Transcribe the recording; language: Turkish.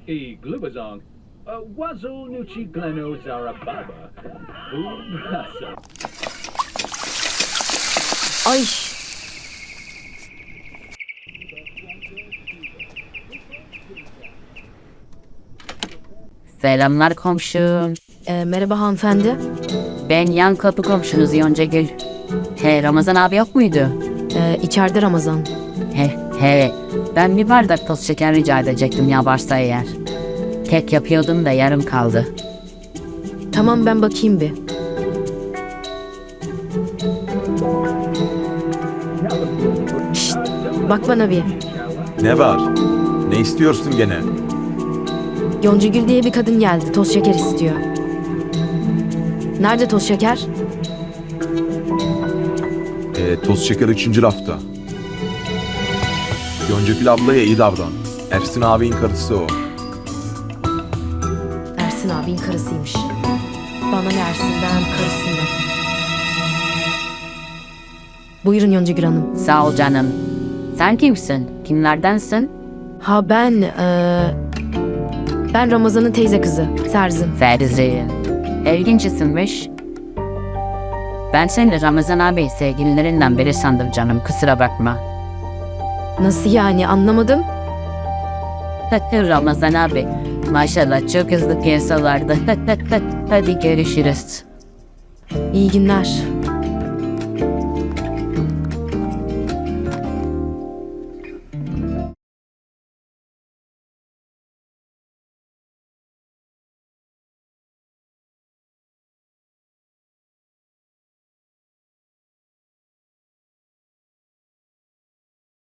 E glubazong. Wazoo nuchi gleno zarababa. Ubrasa. Ay. Selamlar komşum. Merhaba hanımefendi. Ben yan kapı komşunuz Yoncagül. Ramazan abi yok muydu? İçeride Ramazan. He. Ben bir bardak toz şeker rica edecektim ya varsa eğer. Kek yapıyordum da yarım kaldı. Tamam ben bakayım bir. Şşt, bak bana bir. Ne var? Ne istiyorsun gene? Yoncagül diye bir kadın geldi. Toz şeker istiyor. Nerede toz şeker? Toz şeker 3. rafta. Yoncagül ablaya iyi davran. Ersin abinin karısı o. Ersin abinin karısıymış. Bana ne Ersin'den, karısından. Buyurun Yoncagül Hanım. Sağ ol canım. Sen kimsin? Kimlerdensin? Ha ben Ramazan'ın teyze kızı. Serzin. Ferzi. İlginç isimmiş. Ben seni Ramazan abi sevgililerinden biri sandım canım. Kusura bakma. Nasıl yani anlamadım. Ramazan abi. Maşallah çok hızlı piyasalarda. Hadi görüşürüz. İyi günler.